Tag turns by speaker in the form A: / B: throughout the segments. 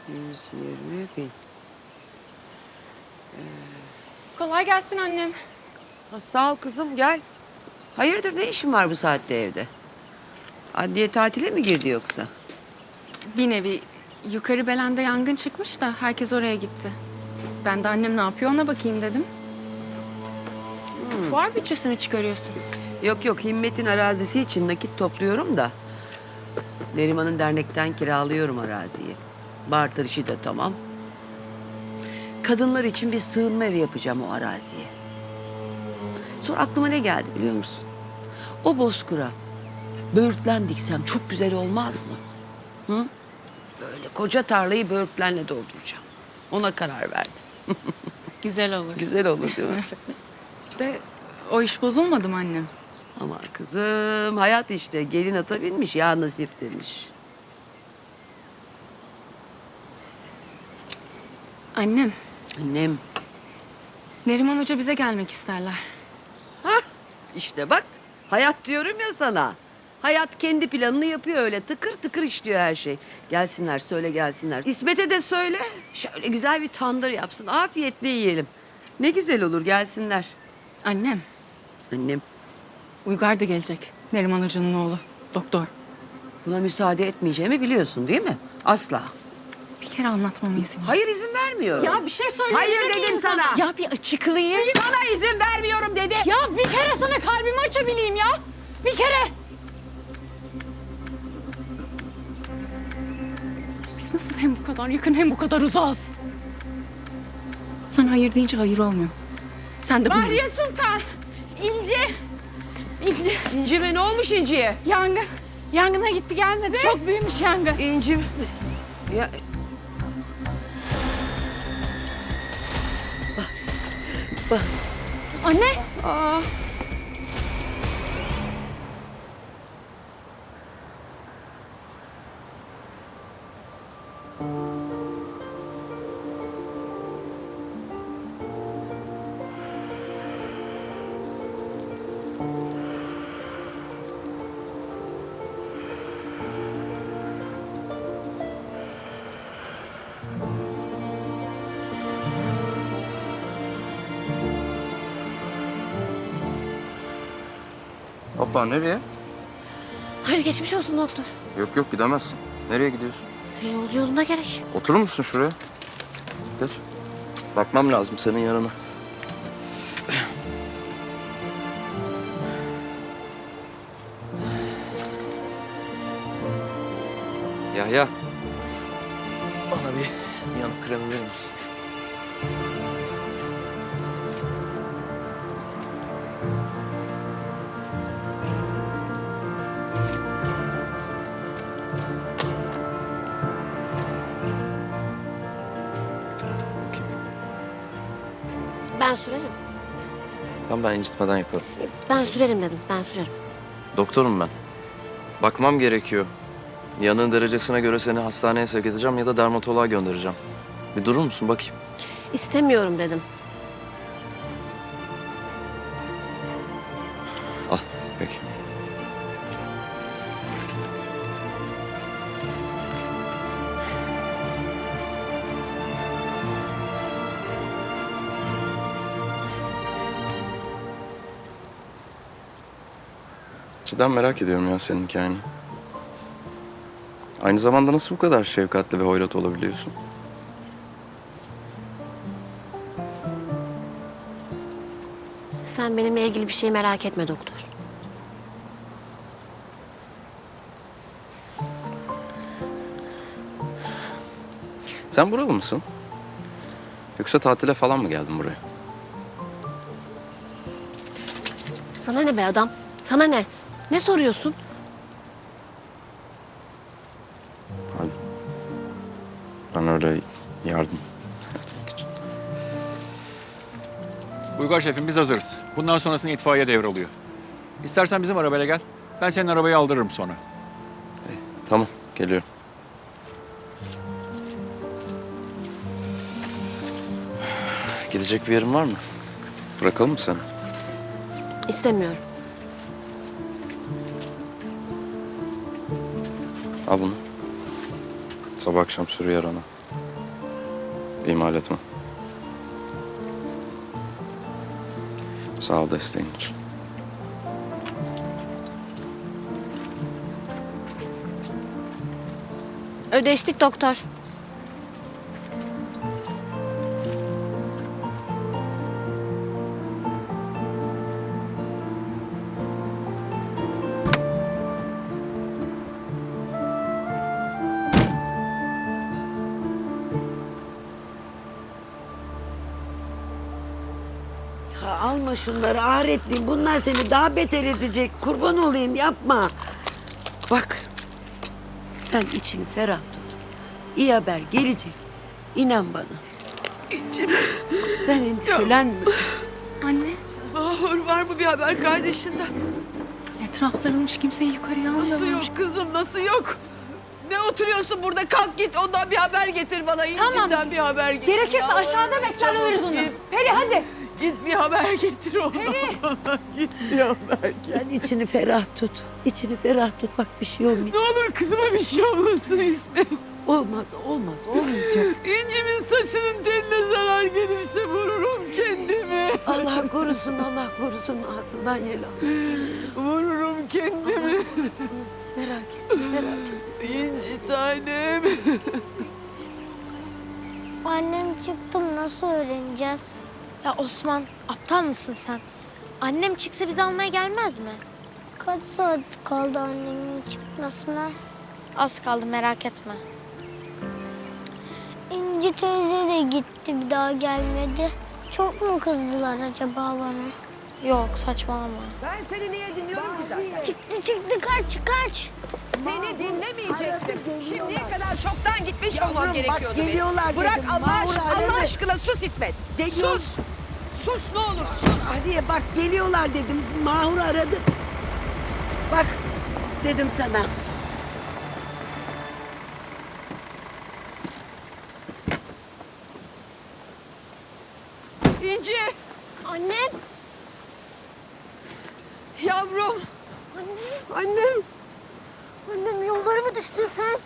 A: 120.000.
B: Kolay gelsin annem.
A: Ha, sağ ol kızım, gel. Hayırdır, ne işin var bu saatte evde? Adliye tatile mi girdi yoksa?
B: Bir nevi yukarı Belen'de yangın çıkmış da herkes oraya gitti. Ben de annem ne yapıyor ona bakayım dedim. Fuar bütçesi mi çıkarıyorsun?
A: Yok yok, Himmet'in arazisi için nakit topluyorum da. Neriman'ın dernekten kiralıyorum araziyi. Barter işi de tamam. Kadınlar için bir sığınma evi yapacağım o araziye. Sonra aklıma ne geldi biliyor musun? O bozkıra böğürtlen diksem çok güzel olmaz mı? Hı? Böyle koca tarlayı böğürtlenle dolduracağım. Ona karar verdim.
B: Güzel olur.
A: Güzel olur değil mi?
B: De o iş bozulmadı mı annem?
A: Aman kızım, hayat işte. Gelin ata binmiş, ya nasip demiş.
B: Annem,
A: Annem.
B: Neriman Hoca bize gelmek isterler.
A: Hah, işte bak. Hayat diyorum ya sana. Hayat kendi planını yapıyor öyle. Tıkır tıkır işliyor her şey. Gelsinler, söyle gelsinler. İsmet'e de söyle. Şöyle güzel bir tandır yapsın. Afiyetle yiyelim. Ne güzel olur, gelsinler.
B: Annem,
A: Annem,
B: Uygar da gelecek. Neriman Hoca'nın oğlu, doktor.
A: buna müsaade etmeyeceğimi biliyorsun değil mi? Asla.
B: Bir kere anlatmamı izin ver.
A: Hayır, izin vermiyorum.
B: Ya bir şey söyleyebilir
A: Hayır dedim
B: miyim
A: sana.
B: Ya bir açıklayayım.
A: Sana izin vermiyorum dedi.
B: Ya bir kere sana kalbimi açabileyim ya. Bir kere. Biz nasıl hem bu kadar yakın hem bu kadar uzağız? Sana hayır deyince hayır olmuyor. Sen de bunu...
C: Bahriye Sultan, İnci,
A: İncime ne olmuş İnci'ye?
C: yangın. Yangına gitti gelmedi. Çok büyümüş yangın.
A: İncim. Ya...
C: Anne,
A: Aa.
D: Hoppa, nereye?
E: Hadi geçmiş olsun doktor.
D: Yok yok, gidemezsin. Nereye gidiyorsun?
E: Yolcu yolunda gerek.
D: Oturur musun şuraya? Geç. Bakmam lazım senin yanına. Yahya. Bana bir yanık kremi verir misin?
E: Ben sürerim.
D: Tamam, ben incitmeden yaparım.
E: Ben sürerim dedim. Ben sürerim.
D: Doktorum ben. Bakmam gerekiyor. Yanığın derecesine göre seni hastaneye sevk edeceğim ya da dermatoloğa göndereceğim. Bir durur musun bakayım?
E: İstemiyorum dedim.
D: Al, peki. Cidden merak ediyorum ya senin hikayeni. Aynı zamanda nasıl bu kadar şefkatli ve hoyrat olabiliyorsun?
E: Sen benimle ilgili bir şey merak etme doktor.
D: Sen buralı mısın? Yoksa tatile falan mı geldin buraya?
E: Sana ne be adam? Sana ne? Ne soruyorsun?
D: Pardon. Ben öyle yardım.
F: Uygar şefim, biz hazırız. Bundan sonrasında itfaiye devralıyor. İstersen bizim arabayla gel. Ben senin arabayı aldırırım sonra.
D: Tamam, geliyorum. Gidecek bir yerin var mı? Bırakalım mı seni?
E: İstemiyorum.
D: Al bunu. Sabah akşam sürüyor yarana. İhmal etme. Sağ ol desteğin için.
E: Ödeştik doktor.
A: Ya alma şunları ahiretliyim. Bunlar seni daha beter edecek. Kurban olayım yapma. Bak sen içini ferah tut. İyi haber gelecek. İnan bana. Sen endişelenme.
B: Anne,
G: Mahur var mı bir haber kardeşinden?
B: etraf sarılmış, kimseyi yukarıya
G: Nasıl
B: almıyorlarmış.
G: yok kızım nasıl yok? Ne oturuyorsun burada kalk git ondan bir haber getir bana. İnci'den bir haber getir.
C: Gerekirse
G: Yalvarırım,
C: aşağıda bekler
G: çabuk
C: alırız onu.
G: Git,
C: Peri hadi.
G: git bir haber getir ona. Git bir haber.
A: Sen içini ferah tut. İçini ferah tut. Bak bir şey olmayacak.
G: Ne olur kızıma bir şey olmasın İsmet.
A: Olmaz, olmaz, olmayacak.
G: İnci'min saçının teline zarar gelirse vururum kendimi.
A: Allah korusun, Allah korusun. Ağzından yel al.
G: Vururum kendimi.
A: Merak etme, merak etme.
G: İnci tanem.
H: Annem çıktım nasıl öğreneceğiz?
E: Ya Osman, aptal mısın sen? Annem çıksa bizi almaya gelmez mi?
H: Kaç saat kaldı annemin çıkmasına?
E: Az kaldı, merak etme.
H: İnci teyze de gitti bir daha gelmedi. Çok mu kızdılar acaba bana?
E: Yok, saçmalama.
G: Ben seni niye dinliyorum ki zaten?
H: Çıktı kaç.
G: Seni dinlemeyecektim. Şimdiye kadar çoktan gitmiş
A: Yavrum,
G: olmam
A: bak
G: gerekiyordu benim.
A: geliyorlar
G: Bırak
A: dedim,
G: Allah
A: Mahur
G: aşkına,
A: aradı.
G: Allah aşkına sus İsmet.
A: Geliyor.
G: Sus. Sus ne olur sus.
A: Aliye bak geliyorlar dedim. Mahur aradı. Bak dedim sana.
G: İnci,
E: Annem!
G: yavrum. Annem.
E: Annem yollara mı düştün sen?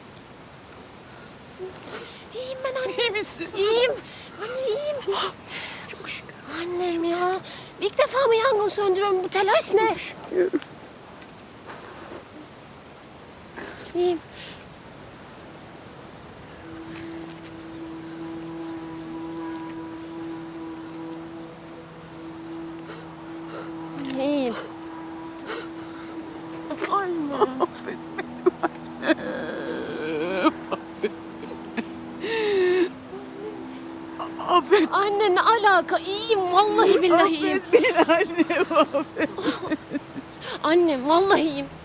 E: İyiyim ben anne.
G: İyi misin?
E: İyiyim. Anne iyiyim. Çok şükür. Annem ya. İlk defa mı yangın söndürüyorum? Bu telaş ne? İyiyim. Anne iyiyim. Anne.
G: Affet
E: Anne ne alaka? İyiyim. Vallahi billahi iyiyim.
G: beni annem affet.
E: Annem vallahi iyiyim.